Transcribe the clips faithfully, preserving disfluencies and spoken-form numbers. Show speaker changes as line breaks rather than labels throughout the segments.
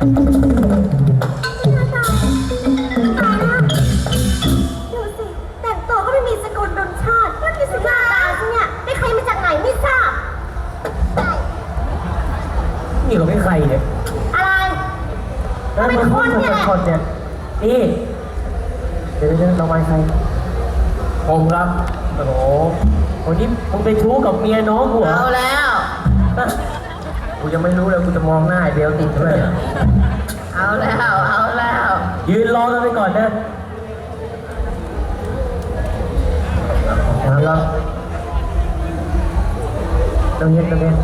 ดูสิแต่งตัวก็ไม่มีสกุลดนชาติแล้วมีสิหน้าตาฉันเนี่ยได้ใครมาจากไหนไม่ทราบ
นี่ก็ไม่ใครเนี่ย
อะไรเราเป็นคนเนี่ยแหละ
คนเนี่ยนี่เดี๋ยวเดี๋ยวเราไปใครผมครับโอ้โหวันนี้มึงไปชู้กับเมียน้องกูเหรอ
เอาแล้ว
กูยังไม่รู้เลยกูจะมองหน้าไอ้เบลติดด้วย
เอาแล้ว เอาแล้ว
ยืนรอกันไปก่อนนะนะครับตรงนี้ตรงนี้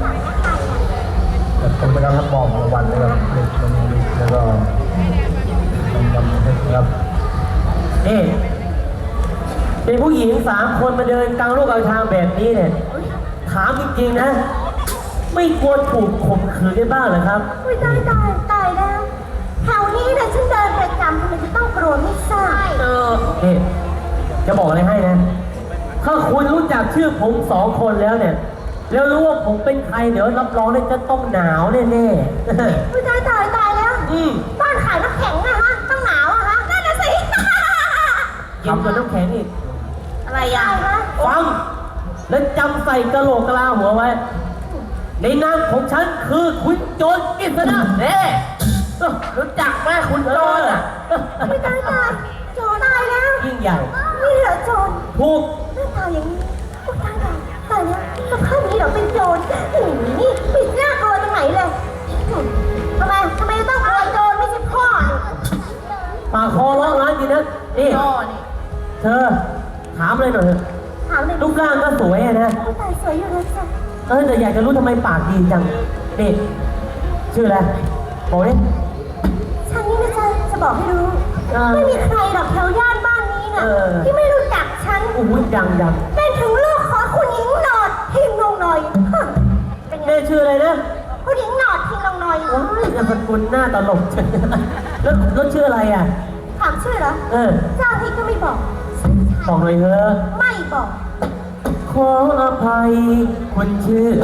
ผมไปรับมอบรางวัลนะครับแล้วก็รางวัลนะครับนี่เป็นผู้หญิงสามคนมาเดินกลางโลกกลางทางแบบนี้เนี่ยถามจริงๆนะไม่กลัวถูกข่มขืนได้บ้างเหรอครับ
อุ้ยตายตายตายแล้วแถวนี้เนี่ยฉันเดินประจำทำไมจะต้องกลัวไม่ทราบ
เออ
นี่จะบอกอะไรให้นะ ถ้าคุณรู้จักชื่อผมสองคนแล้วเนี่ย แล้วรู้ว่าผมเป็นใครเดี๋ยวรับรองได้จะต้องหนาวแน่ๆ
อุ้ยตายตายตายแล้ว
อืม
บ้านขายน้ำแข็งอะฮะต้องหนาวอะฮะนั่นน่ะสิ
ทำกับน้ำแข็งอีก
อะไรอ่ะ
ตายแล้ว
ฟัง แล้วจำใส่กระโหลกกะลาหัวไว้ ในนามของฉันคือคุณโจรกิษณะเน่รู้จักไหมคุณโจรอ่ะ
อุ้ยตายตายโจรตายแล้ว
ยิ่งใหญ่
นี่เหรอโจร
ถูก
หน้าตาอย่างนี้อุ้ยตายตายตายแล้วสภาพนี้เหรอเป็นโจรหืมนี่ปิดหน้ากลัวตรงไหนเลยหืมทำไมทำไมต้องกลัวโจรไม่ใช่พ่อนี่
ปากคอร้องร้านจริงนะนี่
โจ้นี่
เธอ ถามเลยหน่อยเถอะ
ถามเลย
รูปร่างก็สวยอะนะ
อุ้ยตายสวยอยู่เลยจ้ะ
เออแต่อยากจะรู้ทำไมปากดีจังนี่ชื่ออะไรบอกดิ
ฉันนี่นะจ๊ะจะบอกให้รู้
อ่า
ไม่มีใครหรอกแถวย่านบ้านนี้น่ะ
เออ
ที่ไม่รู้จักฉัน
โอ้ยดังดัง
เป็นถึงลูกของคุณหญิงหนอดทิงลงหน่อยฮะเป็นไง
แม่ชื่ออะไรนะ
คุณหญิงหนอดทิงลงหน่อย
ว้ายนามสกุลหน้าตลกจังแล้วแล้วชื่ออะไรอ่ะ
ถามชื่อเหรอ
เออ
เจ้าที่ก็ไม่บอก
บอกหน่อยเถอะ
ไม่บอก
ขออภัยคนชื่อ